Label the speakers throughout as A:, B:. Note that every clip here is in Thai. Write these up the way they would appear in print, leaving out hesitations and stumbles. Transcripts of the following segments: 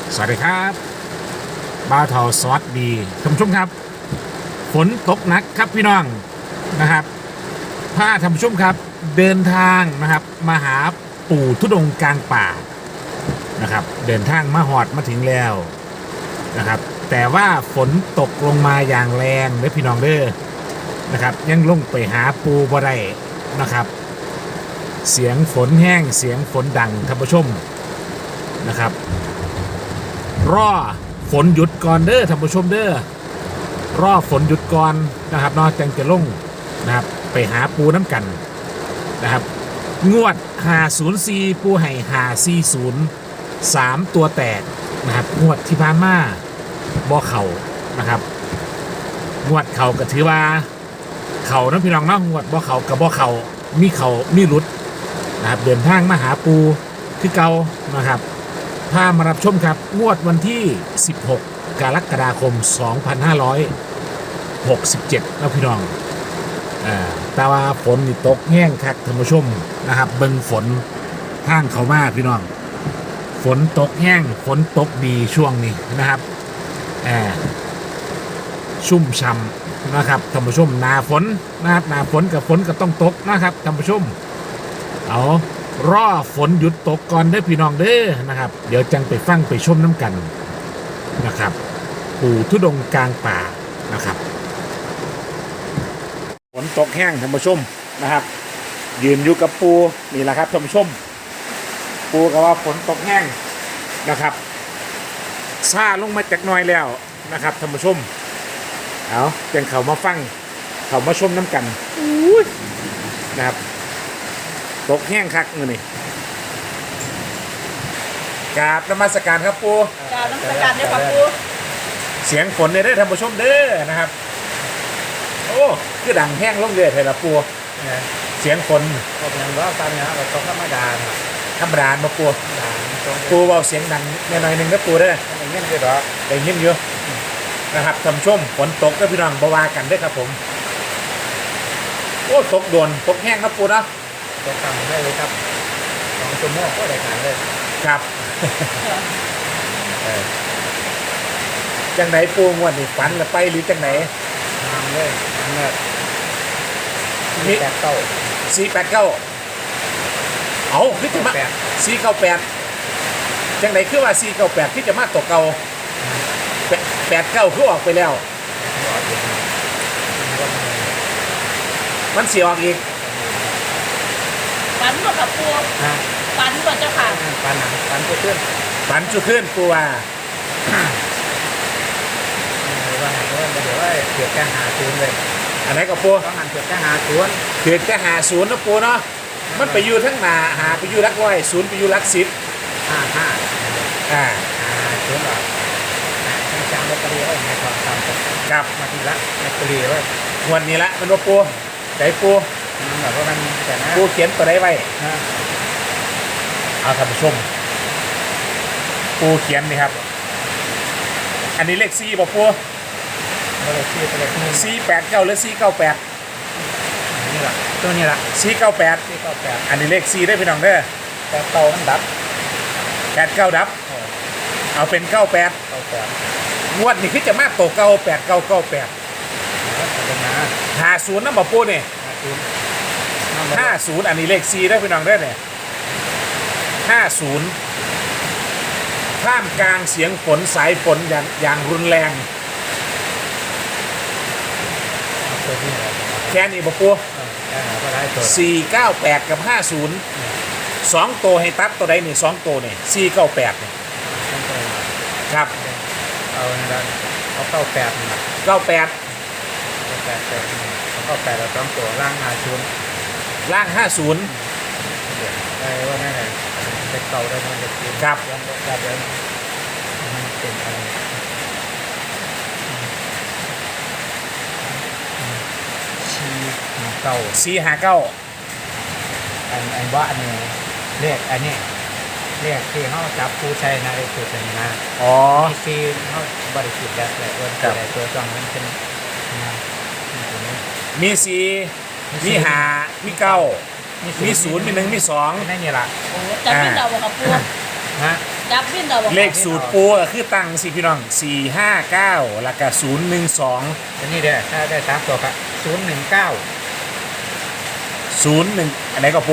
A: สวัสดีครับบ้าวเทาสวัสดีท่านผู้ชมครับฝนตกหนักครับพี่น้องนะครับพาท่านผู้ชมครับเดินทางนะครับมาหาปู่ธุดงค์กลางป่านะครับเดินทางมาหอดมาถึงแล้วนะครับแต่ว่าฝนตกลงมาอย่างแรงเลยพี่น้องเด้อนะครับยังลงไปหาปูบ่ได้นะครับเสียงฝนแห้งเสียงฝนดังท่านผู้ชมนะครับรอฝนหยุดก่อนเด้อท่านผู้ชมเด้อรอฝนหยุดก่อนนะครับนอกจากจะลงนะครับไปหาปูน้ำกันนะครับงวด504ปูให้540 3ตัวแตกนะครับงวดที่ผ่านมาบ่เข่านะครับงวดเข่าก็ถือว่าเข่าน้ำพี่น้องเนาะงวดบ่เข่ากับบ่เข่ามีเข่ามีหลุดนะครับเดินทางมาหาปูคือเก่านะครับพามารับชมครับงวดวันที่16กรกฎาคม2567นะพี่น้องแต่ว่าฝนนี่ตกแห้งคักท่านผู้ชมนะครับเบิ่งฝนทางเขามาพี่น้องฝนตกแห้งฝนตกดีช่วงนี้นะครับชุ่มช่ำนะครับท่านผู้ชมหนาฝนนะครับหนาฝนกับฝนก็ต้องตกนะครับท่านผู้ชมเอารอฝนหยุดตกก่อนเด้อพี่น้องเด้อนะครับเดี๋ยวจังไปฟังไปชมน้ำกันนะครับปู่ธุดงค์กลางป่านะครับฝนตกแห้งท่านผู้ชมนะครับยืนอยู่กับปูนี่แหละครับท่านผู้ชมปูก็ว่าฝนตกแห้งนะครับซาลงมาจากหน่อยแล้วนะครับท่านผู้ชมเอาจังเขามาฟังเขามาชมน้ำกันนะครับตกแห้งคักเงินนี่กราบนมัสการครับปู
B: กราบนมัสการด้วยครับปู
A: เสียงฝนเนี่ยได้ท่านผู้ชมเด้อนะครับโอ้คือดังแห้งลงเรื่อยเลยละปูเสียงฝน
C: ก็เป็นว่าตอนนี้เราต้องธรรมดา
A: ธรรมดามาปูปูเบาเสียงดังหน่อยหนึ่งนะปูเด้อ
C: ได้ยินด้วยหรอ
A: ได้ยินอยู่นะครับท่านผู้ชมฝนตกก็พี่น้องบวากันด้วยครับผมโอ้ตกโดนตกแห้งครับปูนะ
C: ตกต่ำได้เลยครับ2 ชั่วโมงก็ได้ขายเลย
A: ครับจังไหนปูงวดนี่ฝันละไปหรือจังไหน
C: ทำเลยเนี่ย
A: มี489เอาคือจะมา498จังไหนคือว่า498ที่จะมาตกเก่า89คือออกไปแล้วมันเสียออกอีก
B: ฝันบ่ครับปูฝันบ่เจ้าค่ะ
C: ฝันก็ขึ้น
A: ฝันจุขึ้นปูว่า
C: ว่าไงก็เดี๋ยวว่าเกิดแค่50เลย
A: อันไหนก็ปู
C: ต้องหันเกิดแค่50
A: เกิดแค่50นะปูเนาะมันไปอยู่ทั้งหนาหาไปอยู่รักร้อย0ไปอยู่รัก10
C: 50หรอจำลอตเตอรี่ไว้ในความจำ
A: กับ
C: มาทีละลอตเตอรี่ไว้
A: วันนี้ละมันว่าปูใจปู
C: มันแบบว่ามันแต่นะ
A: ปูเขียนตัวไหนไว้เอาท่านผู้ชมปูเขียนนี่ครับอันนี้เลข4ป่ะปู
C: เลข4เลข
A: 489หรือ498
C: นี่แหละตัวนี้ละ
A: 498อันนี้เลข4ได้พี่น้องเด้อ
C: แต่เตามันดับ
A: 89ดับเอาเป็น98งวดนี้คือจะมาโตเก่า899850นะบ่ปูนี่50อันนี้เลข4ได้พี่น้องเด้อเนี่ย50ท่ามกลางเสียงฝนสายฝนอย่างรุนแรงแค่นี้บ่ปู498กับ50 2ตัวให้ตัดตัวใดนี่2ตัวนี่498นี่ครับ
C: เอา98นี่
A: 98
C: เอา98แล้ว2ตัวล่าง50
A: ล่าง50
C: ได้ว่าได้เด็กเก่าได้เด็ก
A: ครับ
C: แบบเดิมเป็นอะไร
A: 459
C: อันว่าอันนี้เรียกอันนี้เรียกที่เขาจับผู้ใช้นาฬิกาเป็นนะมีซีเขาบริสุทธิ์แบบเลยตัวจองมันเป็น
A: มี4มี5มี9มี0มี1มี2
C: นั่นนี่แหละ
B: จำเป็นเราบ่ครับปู
C: ฮะ
B: ดับบินเราบอก
A: เลขสูตรปูก็คือตั้งสิพี่น้อง459แล้วก็012
C: อันนี้เด้อถ้าได้สามตัวก็
A: 01อันไหนก็ปู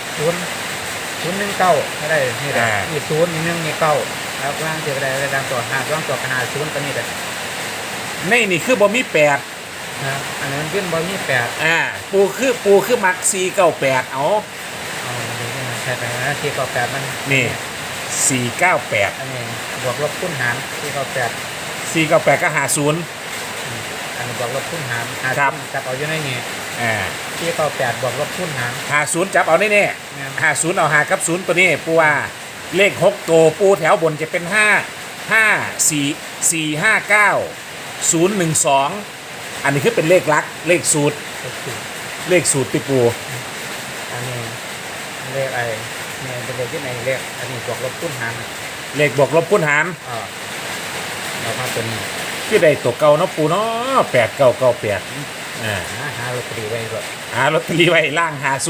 C: 019ก็ได้นี่แหละนี่01นี่9แล้วล่างเดียวได้ตามตัว5ล่างตัว5 0ก็นี่แหละ
A: ในนี่คือบ่มี8
C: นะอันนั้นขึ้นบ่มี8
A: ปูคือมัก498เอา
C: อ๋อดูนี่นะใช่ไปนะที่98มัน
A: นี่498
C: อันนี้บวกลบคูณหารที่98
A: 498ก็50
C: อันนี้บวกลบคูณหาร
A: ครับ
C: จับเอาอยู่ในนี่
A: อ่า
C: ที่98บวกลบคูณหาร
A: 50จับเอาแน่
C: แม่น
A: ๆ50เอา5กับ0ตัวนี้ปูว่าเลข6ตัวปูแถวบนจะเป็น5 4 4 5 9 012อันนี้คือเป็นเลขลักเลขสูตร
C: ก็คือ
A: เลขสูตรติปู
C: อันนี้เลขไอ้เนี่ยเป็นเลขที่ไหนเลขอันนี้บวกลบคูณหาร
A: เลขบวกลบคูณหาร
C: เรามาตัวนี้
A: คือได้ตัวเก่าเนาะปูเนาะ8998
C: หาลอตเตอรี่ไว้ก่อน
A: หาลอตเตอรี่ไว้ล่าง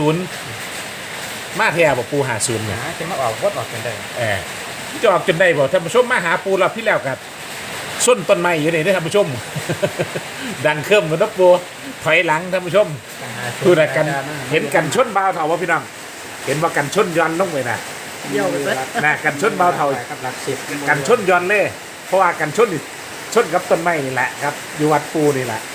A: 50มาแท้บ่ปู50เนี่ย
C: จะมาออกวดออกกันได้
A: จะออกจนได้บ่ท่านผู้ชมมาหาปูรอบที่แล้วกันส้นต้นไม้อยู่นี่เด้อท่านผู้ชม ดังเคริ่มกันนะปูถอยหลังท่านผู้ชมดูนะกันเห็นกันชนบ่าวเถาว่าพี่น้องเห็นว่ากันชนย้อนลงไปนะ
B: เดี่ยวเลย
A: นะกันชนบ่าวเถา
C: กับหลักสิบ
A: กันชนย้อนเลยเพราะว่ากันชนนี่ชนกับต้นไม้นี่แหละครับอยู่วัดปูนี่แหละ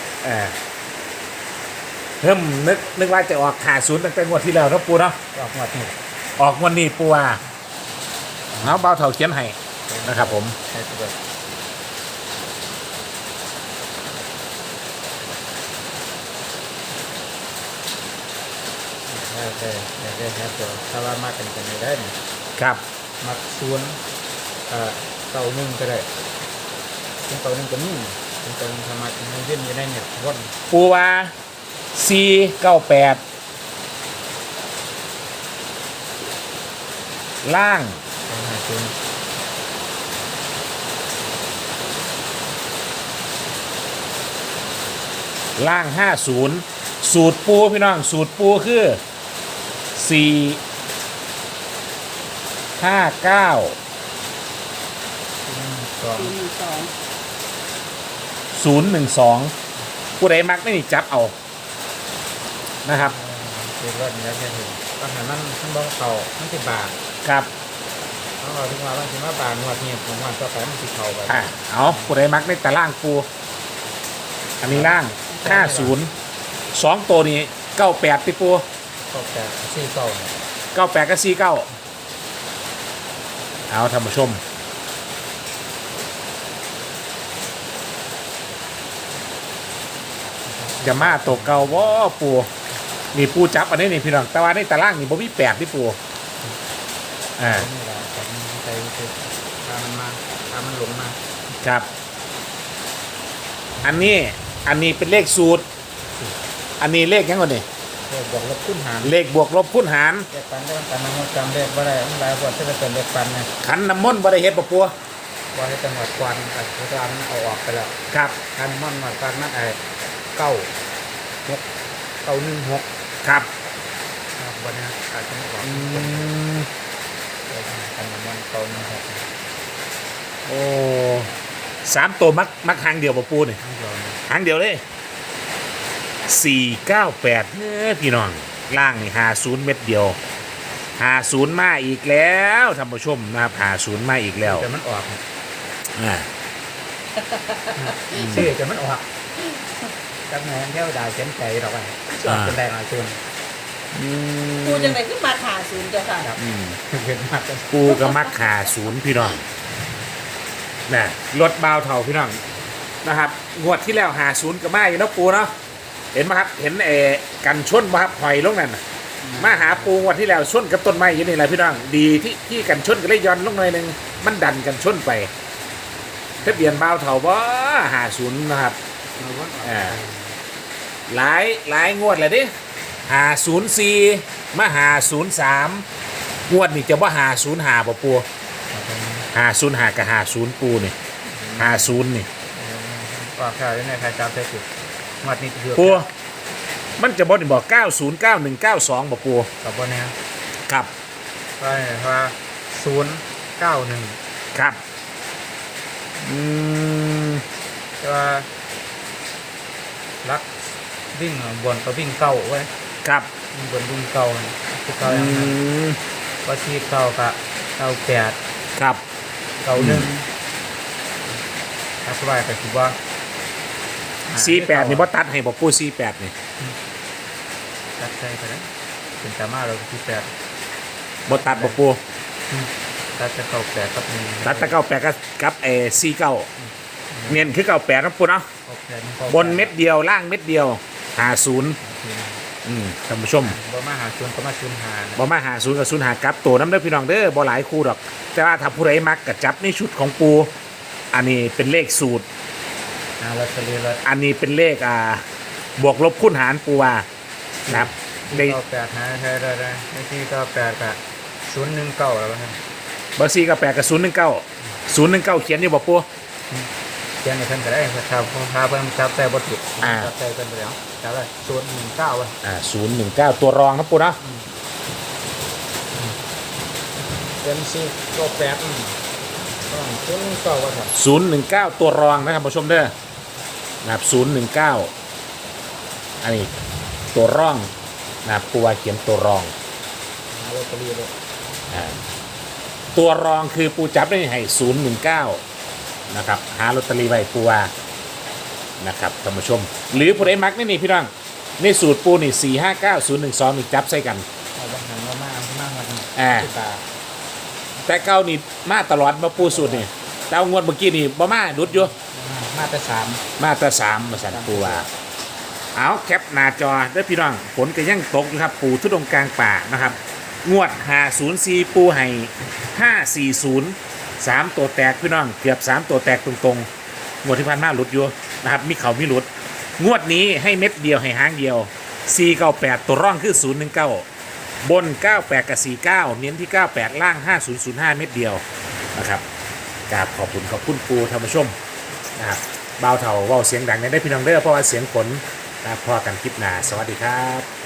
A: เริ่มนึกว่าจะออก50ตั้งแต่งวดที่แล้วเนาะปูเนาะ
C: ออกหมดนี่
A: ออกวันนี้ปูว่าเอาบ่าวเถาเขียนให้นะครับผม
C: ใช่ตัวได้ครับตัวถ้าว่ามากันกันได้เนี่ย
A: ครับ
C: มักส่วนเก่าหนึ่งก็ได้เป็นเก่าหนึ่งก็นี่เป็นเก่าหนึ่งทำมาเป็นเย็นอยู่ได้เนี่ยวน
A: ปูว่า498ล่าง
C: หาส่วน
A: ล่าง50สูตรปูพี่น้องสูตรปูคือ459
C: 2
A: 012ผู้ใดมักไม่นี่จับเอานะครับ
C: คือรถนี้แล้วจะเห็นปัญหามันบ้องเข่ามันติดบาท
A: ครับ
C: เขาเอาถึงว่าบางทีว่าบาทนวดเนี่ยผมว่าต่อไปมันติดเข่าไป
A: เอาผู้ใดมักในแต่ล่างปูอันนี้ล่าง50 2ตัวนี้98ติปู
C: ก็แต่ซี่เก่า
A: 98กับ49เอาท่านผู้ชมจะมาตกเก่าบ่ปูนี่ปูจับอันนี้นี่พี่น้องแต่ว่าในตารางนี่บ่มี8ที่ปู
C: นี่แหละแต่มันใจคือพามันมาพามันหลงมา
A: ครับ อันนี้เป็นเลขสูตร อันนี้เลขยังก่อนนี่
C: เลขบวกลบคูณหาร
A: เลขบวกลบคูณหาร
C: เลขปันได้ปันน้ำมันจำเลขว่าอะไรมันหลายบวกที่จะเป็นเลขปันเนี่ย
A: ขันน้ำมนต์บ่ได้เฮ็ดบ่ปู
C: ว่าให้จังหวัดควันแต่พุทธานเอาออกไปแล้ว
A: ครับ
C: คันม่อนหวัดควันนั่นไอ้9 6 9 1 6
A: ครับ
C: วันนี้อาจจะไม่ออก คันม่อน9 1 6
A: โอ้3ตัวมักหางเดียวบ่ปูนี่
C: ไม่ยอม
A: หางเดียวเลย498เฮ้ยพี่น้องล่างนี่50เม็ดเดียว50มาอีกแล้วท่านผู้ชมนะครับ50มาอีกแล้ว
C: แต่มันออก
A: อ่า
C: ชื่อแต่มันออกจังไงเที่ยวดาวเส้นใจเราไปออกเป็นแรงอะไรชวน
B: ปูจังไหนขึ้นมาขาศูนย์เจ้าค่ะ
C: ครับ
A: อืม
C: เห็นมากกัน
A: ปูก็มัก50พี่น้องนะรถเบาเท่าพี่น้องนะครับงวดที่แล้ว50ก็มาอยู่เนาะปูเนาะเห็นไหมครับเห็นกันชนไหมครับหอยลงนั่นน่ะมาหาปูงวดที่แล้วชนกับต้นไม้อยู่นี่แหละพี่น้องดีที่กันชนก็เลยย้อนลงหน่อยหนึงมันดันกันชนไปทะเบียนเบาเท่าบ่50นะครับหลายงวดเลยดิ504มา503งวดนี่จะว่า505บ่ปู505กับ50ปูนี่50นี่
C: ออกข่าวในใครจำได้ถูกงวดนี้คือ
A: ปูมันจะบอก909192บ่ปู
C: กับบนนี้
A: ครับ
C: ก็ว่า0 9 91
A: ครับอืม
C: แต่ว่ารักวิ่งบนก็วิ่งเก่าไว้
A: ครับ
C: วิ่งบนวิ่งเก่าคือเก่าอย่างนั้น
A: ม
C: ก็ชีเก่ากะ98
A: ครับ
C: 91ถ้าสบายก็คิดว่า
A: 48นี่บ่ตัดให้บ่ปู48นี่
C: ตัดใจไปแล้วเป็นตามาเราที่8
A: บ่ตัดบ่ปู
C: ตัดจะ98กับ1
A: ตัดแตะ98กับ49เน้นคือ98นะปูเนาะบนเม็ดเดียวล่างเม็ดเดียว50ท่านผู้ชม
C: บ่มาหา0ก็มา0หา
A: บ่มา50กับ05กลับตัวน้ำเด้อพี่น้องเด้อบ่หลายคู่ดอก แต่ว่าถ้าผู้ใดมักก็จับในชุดของปูอันนี้เป็นเลขสูตร
C: ลอตเตอรี่ละ
A: อันนี้เป็นเลขบวกลบคูณหารปูว่านะครับได้
C: 98หาใช้ได้ไม่ที่98กะ019แล้วครับ
A: เบอร์4กับ8กับ019เขียนอยู่บ่ปู
C: เขียนให้เพิ่นก็ได้ครับผมพาเพิ่นจับแต่บ่ถูกจับแต่เพิ่นไปแล้วจับได้019ว่ะ
A: 019ตัวรองครับปูเนาะ
C: เป็น4ก็8ต้อง019ว่ะครับ
A: 019ตัวรองนะครับผู้ชมเด้อนะครับ019อันนี้ตัวร่องนะครับปูว่าเขียนตัวรอง
C: ลอตเตอรี่เลย
A: ตัวรองคือปูจับได้ให้019นะครับหาลอตเตอรี่ไว้ปูว่านะครับท่านผู้ชม หรือผู้ใดมักนี่พี่น้องในสูตรปูนี่459012นี่จับใส่กัน
C: เอาบางหันมามามา
A: แต่เก้านี่มาตลอดมาปูสูตรนี่แต่เอางวดเมื่อกี้นี่บ่มาดุดอยู่
C: มาแต่3
A: มาแต่3มาสั่นปูว่าเอาแคปหน้าจอได้อพี่น้องฝนก็ยังตกอยู่ครับปูทุดงกลางป่านะครับงวด504ปูให้540 3ตัวแตกพี่น้องเกือบ3ตัวแตกตรงๆงวดที่ผ่านมาหลุดอยู่นะครับมีเขามีหลุดงวดนี้ให้เม็ดเดียวให้หางเดียว498ตัวร่องคือ019บน98กับ49เน้นที่98ล่าง5005เม็ดเดียวนะครับกราบขอบคุณปูท่านผู้ชมนะครับเบาเถาเว้าเสียงดังในได้พี่น้องเด้อเพราะว่าเสียงฝนนะครับพอกันคลิปหน้าสวัสดีครับ